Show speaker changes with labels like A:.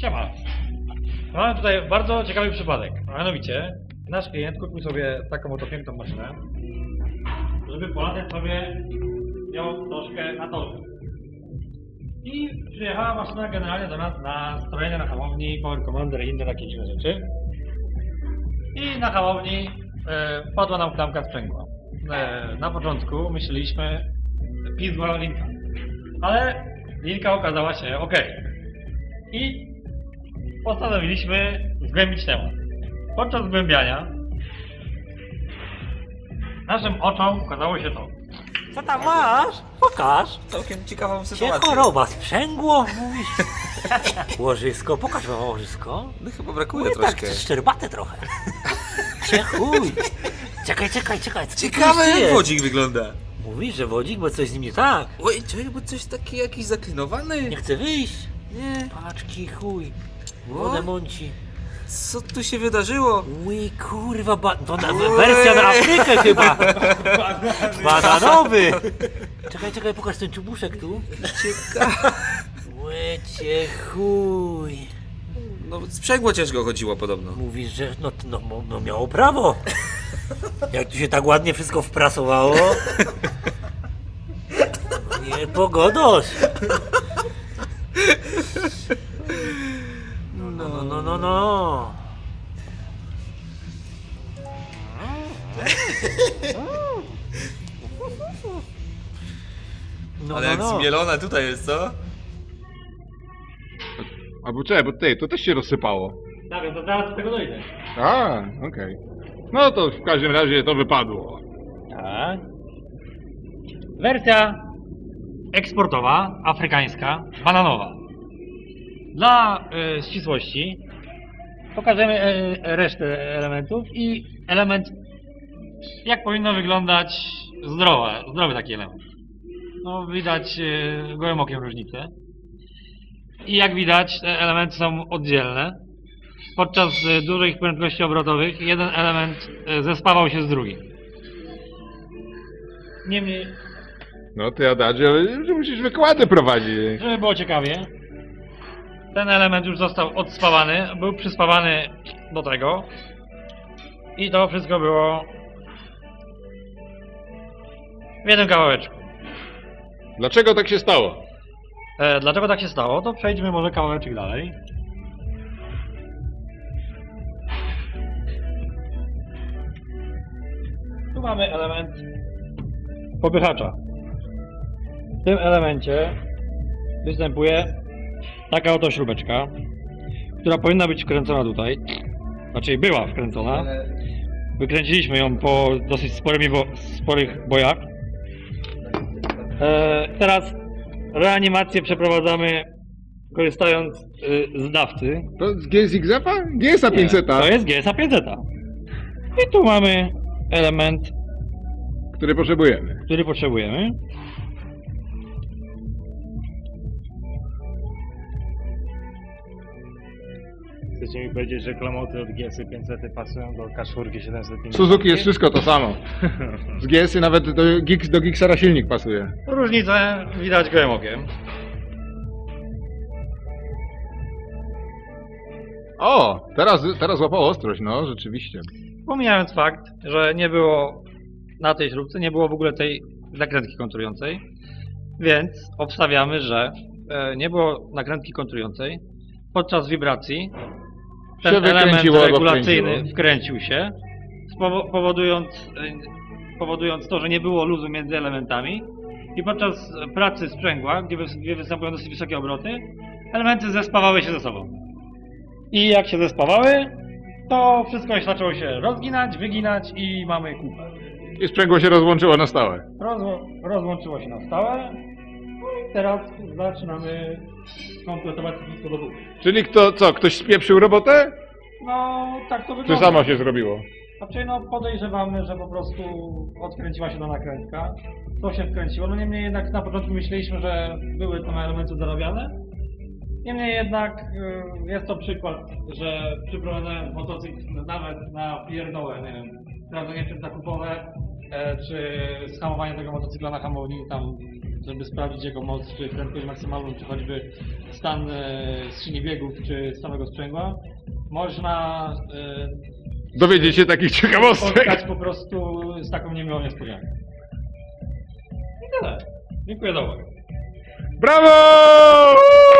A: Siema. Mamy tutaj bardzo ciekawy przypadek. A mianowicie, nasz klient kupił sobie taką oto piękną maszynę, żeby polatać sobie ją troszkę na torze. I przyjechała maszyna generalnie do nas na strojenie na hamowni, power commander i inne takie dziwne rzeczy. I na hamowni padła nam klamka sprzęgła. Na początku myśleliśmy pizła linka, ale linka okazała się ok. I postanowiliśmy zgłębić temat. Podczas zgłębiania naszym oczom ukazało się to.
B: Co tam masz? Pokaż.
C: Całkiem ciekawą
B: Cię
C: sytuację.
B: choroba, sprzęgło, mówisz? Łożysko, pokaż wam łożysko.
C: No chyba brakuje
B: Tak,
C: troszkę.
B: czy szczerbate trochę. Cię chuj. Czekaj. Co ty
C: Ciekawe
B: tu
C: jak
B: jest?
C: wodzik wygląda.
B: Mówisz, że wodzik, bo coś z nim nie tak.
C: Oj, czekaj, bo coś taki jakiś zaklinowany.
B: Nie chce wyjść.
C: Nie.
B: Paczki, chuj.
C: O.
B: Wodę mąci.
C: Co tu się wydarzyło?
B: Ui, kurwa, to wersja na Afrykę chyba. Bananowy. Czekaj, pokaż ten czubuszek tu.
C: Ciekawe.
B: Łycie chuj.
C: No sprzęgło ciężko chodziło podobno.
B: Mówisz, że no miało prawo. Jak tu się tak ładnie wszystko wprasowało. Nie pogodosz. No.
C: Ale jak zmielone tutaj jest, co?
D: Albo czekaj, bo to też się rozsypało.
A: Tak, to zaraz do tego dojdę.
D: A, okej. No to w każdym razie to wypadło.
A: Tak. Wersja eksportowa, afrykańska, bananowa. Dla ścisłości pokażemy resztę elementów i element, jak powinno wyglądać zdrowy taki element. No widać gołym okiem różnicę. I jak widać, te elementy są oddzielne. Podczas dużych prędkości obrotowych jeden element zespawał się z drugim. Niemniej,
D: No ty Adadzie, że musisz wykłady prowadzić.
A: żeby było ciekawie, ten element już został odspawany, był przyspawany do tego i to wszystko było w jednym kawałeczku.
D: Dlaczego tak się stało?
A: Dlaczego tak się stało? To przejdźmy może kawałeczek dalej. Tu mamy element popychacza. W tym elemencie występuje taka oto śrubeczka, która powinna być wkręcona tutaj. Znaczy była wkręcona. Wykręciliśmy ją po dosyć sporych bojach. Teraz reanimację przeprowadzamy korzystając z dawcy.
D: To z GSX-a? GSA 500,
A: To jest GSA 500. I tu mamy element,
D: który potrzebujemy.
A: który potrzebujemy.
E: Chcecie mi powiedzieć, że klamoty od GS 500 pasują do K4 750?
D: Suzuki jest wszystko to samo. Z GS-y nawet do Gixera silnik pasuje.
A: Różnicę widać gołym okiem.
D: O, teraz łapało ostrość, no rzeczywiście.
A: Pomijając fakt, że nie było na tej śrubce, nie było w ogóle tej nakrętki kontrującej, więc obstawiamy, że nie było nakrętki kontrującej. Podczas wibracji ten
D: Się
A: element
D: wykręciło albo
A: regulacyjny
D: wkręciło.
A: wkręcił się, powodując to, że nie było luzu między elementami i podczas pracy sprzęgła, gdzie występują dosyć wysokie obroty, elementy zespawały się ze sobą. I jak się zespawały, to wszystko zaczęło się rozginać, wyginać i mamy kupę.
D: I sprzęgło się rozłączyło na stałe.
A: Rozłączyło się na stałe. No i teraz zaczynamy kompletować wszystko do góry.
D: Czyli ktoś spieprzył robotę?
A: No, tak to
D: Czy
A: wygląda.
D: samo się zrobiło?
A: Znaczy, no podejrzewamy, że po prostu odkręciła się ta nakrętka. To się wkręciło. No niemniej jednak na początku myśleliśmy, że były tam elementy zarabiane. Niemniej jednak jest to przykład, że przyprowadzając motocykl nawet na pierdołę, nie wiem, sprawdzenie przedzakupowe, czy schamowanie tego motocykla na hamowni, tam żeby sprawdzić jego moc, czy prędkość maksymalną, czy choćby stan skrzyni biegów, czy samego sprzęgła, można
D: Dowiedzieć się takich ciekawostek.
A: spotkać po prostu z taką niemiłą niespodzianką. I tyle. Dziękuję za uwagę.
D: Brawo!